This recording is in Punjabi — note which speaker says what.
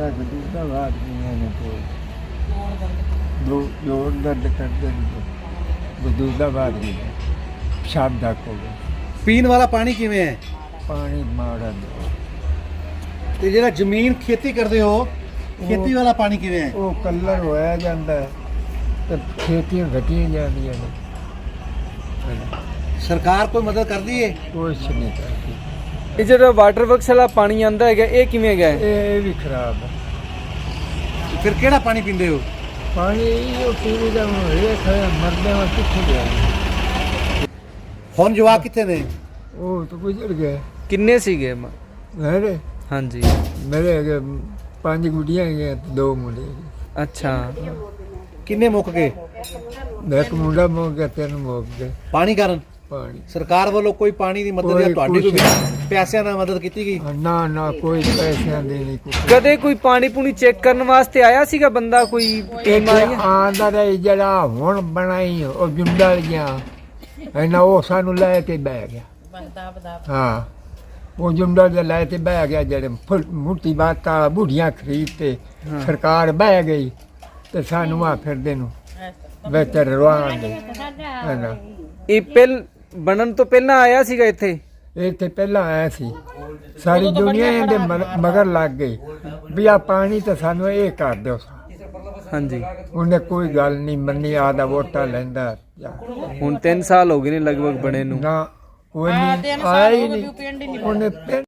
Speaker 1: ਦਾ ਗਦੂਦਾ ਬਾਤ ਨਹੀਂ ਹੈ ਕੋਈ ਦੋ ਜੋੜ ਦਰਦ ਕਰਦੇ ਨੇ ਗਦੂਦਾ ਬਾਤ ਨਹੀਂ ਸ਼ਾਮ ਦਾ ਕੋਲ
Speaker 2: ਪੀਣ ਵਾਲਾ ਪਾਣੀ ਕਿਵੇਂ ਹੈ?
Speaker 1: ਪਾਣੀ ਮਾੜਾ
Speaker 2: ਤੇ ਜਿਹੜਾ ਜ਼ਮੀਨ ਖੇਤੀ ਕਰਦੇ ਹੋ, ਖੇਤੀ ਵਾਲਾ ਪਾਣੀ ਕਿਵੇਂ ਹੈ?
Speaker 1: ਉਹ ਕਲਰ ਹੋਇਆ ਜਾਂਦਾ ਹੈ ਤੇ ਖੇਤੀਆਂ ਘਟੀਆਂ ਜਾਂਦੀਆਂ ਨੇ
Speaker 2: ਸਰਕਾਰ ਕੋਈ ਮਦਦ ਕਰਦੀ ਹੈ?
Speaker 1: ਕੁਛ ਨਹੀਂ ਕਰਦੀ
Speaker 3: ਇਹ ਜਿਹੜਾ ਵਾਟਰ ਵਰਕਸ ਵਾਲਾ ਪਾਣੀ ਆਂਦਾ ਹੈਗਾ ਇਹ ਕਿਵੇਂ ਹੈਗਾ?
Speaker 1: ਇਹ ਵੀ ਖਰਾਬ ਹੈ
Speaker 2: ਫਿਰ ਕਿਹੜਾ ਪਾਣੀ ਪੀਂਦੇ ਹੋ?
Speaker 1: ਪਾਣੀ ਉਹ ਪੀਣੇ ਦਾ ਰੇਖ ਹੈ ਮਰਦੇ ਵਾ ਕਿੱਥੇ ਗਿਆ
Speaker 2: ਹੁਣ ਜਵਾਕ ਕਿੱਥੇ ਨੇ?
Speaker 1: ਉਹ ਤਾਂ ਗੁਜ਼ਰ ਗਏ
Speaker 3: ਕਿੰਨੇ ਸੀਗੇ?
Speaker 1: ਮੇਰੇ
Speaker 3: ਹਾਂਜੀ।
Speaker 1: ਮੇਰੇ ਹੈਗੇ 5 ਗੁੱਡੀਆਂ ਹੈਗੀਆਂ ਤੇ 2 ਮੁੰਡੇ ਹੈਗੇ।
Speaker 3: ਅੱਛਾ।
Speaker 2: ਕਿੰਨੇ ਮੁੱਕ ਗਏ?
Speaker 1: ਇੱਕ ਮੁੰਡਾ ਮੁੱਕ ਗਿਆ 3 ਮੁੱਕ ਗਏ
Speaker 2: ਪਾਣੀ ਕਾਰਨ?
Speaker 1: ਪਾਣੀ
Speaker 2: ਸਰਕਾਰ ਵੱਲੋਂ ਕੋਈ ਪਾਣੀ ਦੀ ਮਦਦ ਜਾਂ ਤੁਹਾਡੀ ਕੋਈ ਪੈਸਿਆਂ ਨਾਲ ਮਦਦ ਕੀਤੀ ਗਈ?
Speaker 1: ਨਾ ਕੋਈ ਪੈਸਿਆਂ ਦੀ ਨਹੀਂ ਕੁਛ।
Speaker 3: ਕਦੇ ਕੋਈ ਪਾਣੀ ਪੂਣੀ ਚੈੱਕ ਕਰਨ ਵਾਸਤੇ ਆਇਆ ਸੀਗਾ ਬੰਦਾ? ਕੋਈ ਟੀਮ ਆਈ?
Speaker 1: ਆਂਦਾ ਰਹੇ ਜਿਹੜਾ ਹੁਣ ਬਣਾਈ ਉਹ ਜੁੰਡਾ ਗਿਆ ਇਹਨਾਂ ਉਹ ਸਾਨੂੰ ਲੈ ਕੇ ਬਹਿ ਗਿਆ। ਹਾਂ ਉਹ ਜੁੰਡਾ ਦੇ ਲੈ ਕੇ ਬਹਿ ਗਿਆ ਜਿਹੜੇ ਮੁੱਠੀ ਬਾਤਾਂ ਬੁੱਢੀਆਂ ਖਰੀਦ ਤੇ ਸਰਕਾਰ ਬਹਿ ਗਈ ਤੇ ਸਾਨੂੰ ਆ ਫਿਰਦੇ ਨੂੰ ਵਿੱਚ ਰਵਾਨ ਦੇ ਹੈ।
Speaker 3: ਇਹ ਪਹਿਲ ਬਣਨ ਤੋਂ ਪਹਿਲਾਂ ਆਇਆ ਸੀਗਾ ਇੱਥੇ?
Speaker 1: ਇੱਥੇ ਪਹਿਲਾਂ ਆਇਆ ਸੀ ਸਾਰੀ ਦੁਨੀਆ ਇਹਦੇ ਮਗਰ ਲੱਗ ਗਈ ਵੀ ਆ ਪਾਣੀ ਤਾਂ ਸਾਨੂੰ ਇਹ ਕਰ ਦਿਓ।
Speaker 3: ਹਾਂਜੀ।
Speaker 1: ਉਹਨੇ ਕੋਈ ਗੱਲ ਨਹੀਂ ਮੰਨੀ ਆਦਾ ਵੋਟਾਂ ਲੈਂਦਾ
Speaker 3: ਹੁਣ 3 ਸਾਲ ਹੋ ਗਏ ਨੇ ਲਗਭਗ ਬਣੇ ਨੂੰ।
Speaker 1: ਨਾ ਕੋਈ ਨਹੀਂ ਆਇਆ ਹੀ ਨਹੀਂ ਉਹਨੇ